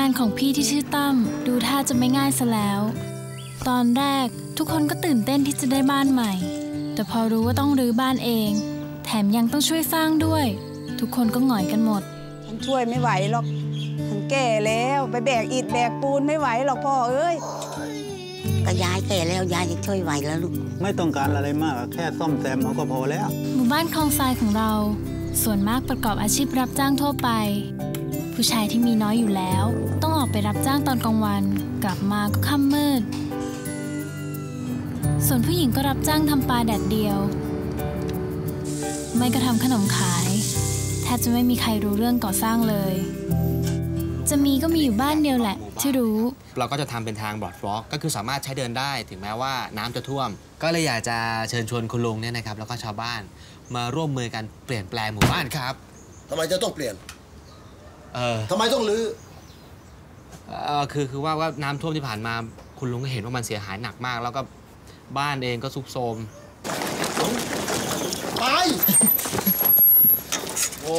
านของพี่ที่ชื่อตั้มดูท่าจะไม่ง่ายซะแล้วตอนแรกทุกคนก็ตื่นเต้นที่จะได้บ้านใหม่แต่พอรู้ว่าต้องรื้อบ้านเองแถมยังต้องช่วยสร้างด้วยทุกคนก็หงอยกันหมดฉันช่วยไม่ไหวหรอกฉันแก่แล้วไปแบกอิฐแบกปูนไม่ไหวหรอกพ่อเอ้ยก็ยายแก่แล้วยายจะช่วยไหวแล้วลูกไม่ต้องการอะไรมากแค่ซ่อมแซมเอาก็พอแล้วหมู่บ้านคลองทรายของเราส่วนมากประกอบอาชีพรับจ้างทั่วไปผู้ชายที่มีน้อยอยู่แล้วต้องออกไปรับจ้างตอนกลางวันกลับมาก็ค่ำมืดส่วนผู้หญิงก็รับจ้างทำปลาแดดเดียวไม่ก็ทำขนมขายแทบจะไม่มีใครรู้เรื่องก่อสร้างเลยจะมีก็มีอยู่บ้านเดียวแหละที่รู้เราก็จะทำเป็นทางบรอดฟลอกก็คือสามารถใช้เดินได้ถึงแม้ว่าน้ำจะท่วมก็เลยอยากจะเชิญชวนคุณลุงเนี่ยนะครับแล้วก็ชาวบ้านมาร่วมมือกันเปลี่ยนแปลงหมู่บ้านครับทำไมจะต้องเปลี่ยนทำไมต้องรื้อคือว่าน้ำท่วมที่ผ่านมาคุณลุงก็เห็นว่ามันเสียหายหนักมากแล้วก็บ้านเองก็ทรุดโทรมไปโอ้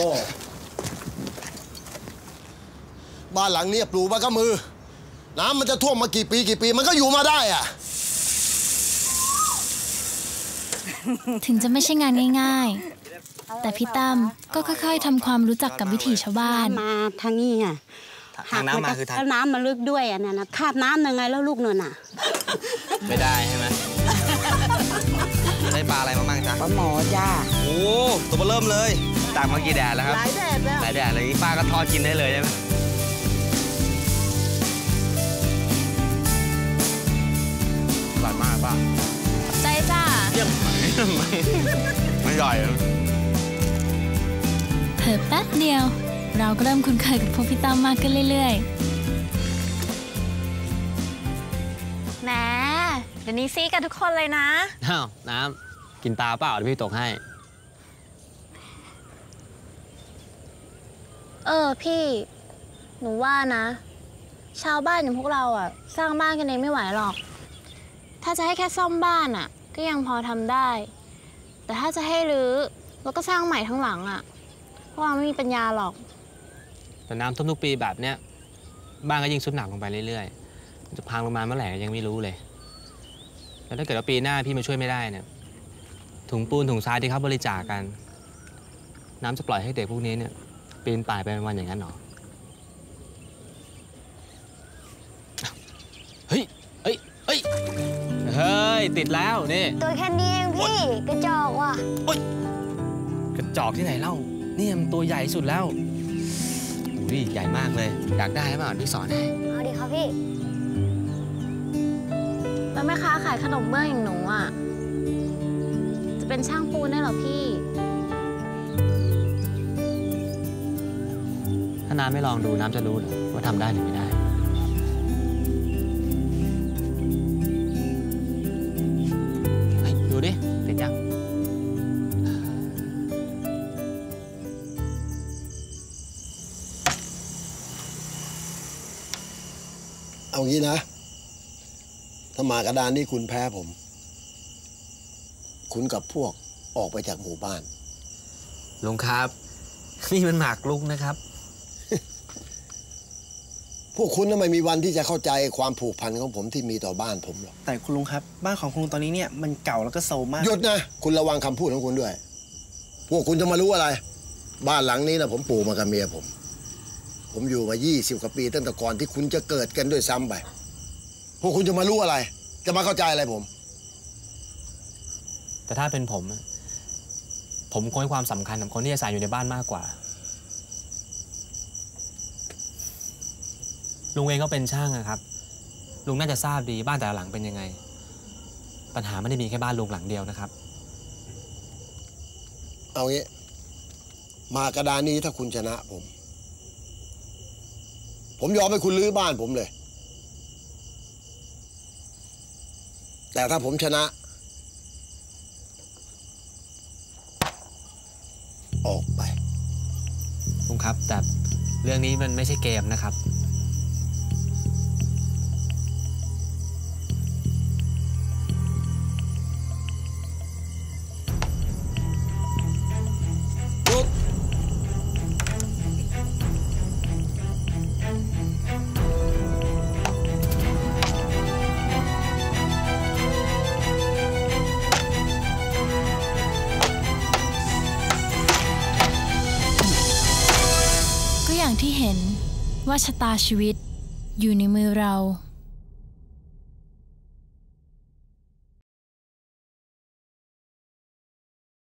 บ้านหลังนี้ปลูกมากับมือน้ำมันจะท่วมมากี่ปีมันก็อยู่มาได้อะถึงจะไม่ใช่งานง่ายๆแต่พี่ตั้มก็ค่อยๆทำความรู้จักกับวิถีชาวบ้านมาทางนี้อ่ะทางน้ำมาคือทางน้ำมันลึกด้วยอ่ะนะคาบน้ำยังไงแล้วลูกนวลอ่ะไม่ได้ใช่ไหมได้ปลาอะไรมาบ้างจ๊ะปลาหมอจ้าโอ้ตัวเริ่มเลยตากมากี่แดดแล้วครับหลายแดดแล้วหลายแดดเลยป้าก็ทอดกินได้เลยใช่ไหมอร่อยมากป้าใจจ้าเยี่ยมไม่อร่อยเพิ่มแป๊บเดียวเราก็เริ่มคุ้นเคยกับพวกพี่ตั้มมากขึ้นเรื่อยๆแหมเดี๋ยวนี้ซีกันทุกคนเลยนะอ้าวน้ำกินตาเปล่าเดี๋ยวพี่ตกให้พี่หนูว่านะชาวบ้านอย่างพวกเราอะสร้างบ้านกันเองไม่ไหวหรอกถ้าจะให้แค่ซ่อมบ้านอะก็ยังพอทำได้แต่ถ้าจะให้รื้อแล้วก็สร้างใหม่ทั้งหลังอะพวกเราไม่มีปัญญาหรอกแต่น้ำท่วมทุกปีแบบเนี้ยบ้านก็ยิ่งทรุดหนักลงไปเรื่อยๆจะพังลงมาเมื่อไหร่ยังไม่รู้เลยแล้วถ้าเกิดว่าปีหน้าพี่มาช่วยไม่ได้เนี่ยถุงปูนถุงทรายที่เขาบริจาคกันน้ำจะปล่อยให้เด็กพวกนี้เนี่ยปีนป่ายไปวันอย่างนั้นหรอเฮ้ยติดแล้วนี่ตัวแค่นี้เองพี่กระจอกว่ะกระจอกที่ไหนเล่านี่มันตัวใหญ่สุดแล้วอุ้ยใหญ่มากเลยอยากได้ไหมพี่สอนให้เอาดิครับพี่แล้วแม่ค้าขายขนมเบื้องอย่างหนูอ่ะจะเป็นช่างปูนได้หรอพี่ถ้าน้ำไม่ลองดูน้ำจะรู้เหรอว่าทำได้หรือไม่ได้ดูดิติดยังเอางี้นะถ้ามากระดานนี้คุณแพ้ผมคุณกับพวกออกไปจากหมู่บ้านลุงครับนี่มันหมากรุกนะครับพวกคุณน่ะไม่มีวันที่จะเข้าใจความผูกพันของผมที่มีต่อบ้านผมหรอกแต่คุณลุงครับบ้านของคุณลุงตอนนี้เนี่ยมันเก่าแล้วก็โซมมากหยุดนะคุณระวังคำพูดของคุณด้วยพวกคุณจะมารู้อะไรบ้านหลังนี้นะผมปลูกมากับเมียผมอยู่มา20 กว่าปีตั้งแต่ก่อนที่คุณจะเกิดกันด้วยซ้ำไปพวกคุณจะมารู้อะไรจะมาเข้าใจอะไรผมแต่ถ้าเป็นผมคงให้ความสำคัญกับคนที่อาศัยอยู่ในบ้านมากกว่าลุงเองก็เป็นช่างครับลุงน่าจะทราบดีบ้านแต่ละหลังเป็นยังไงปัญหาไม่ได้มีแค่บ้านลุงหลังเดียวนะครับเอางี้มากระดานนี้ถ้าคุณชนะผมยอมให้คุณรื้อบ้านผมเลยแต่ถ้าผมชนะออกไปลุงครับแต่เรื่องนี้มันไม่ใช่เกมนะครับอย่างที่เห็นว่าชะตาชีวิตอยู่ในมือเรา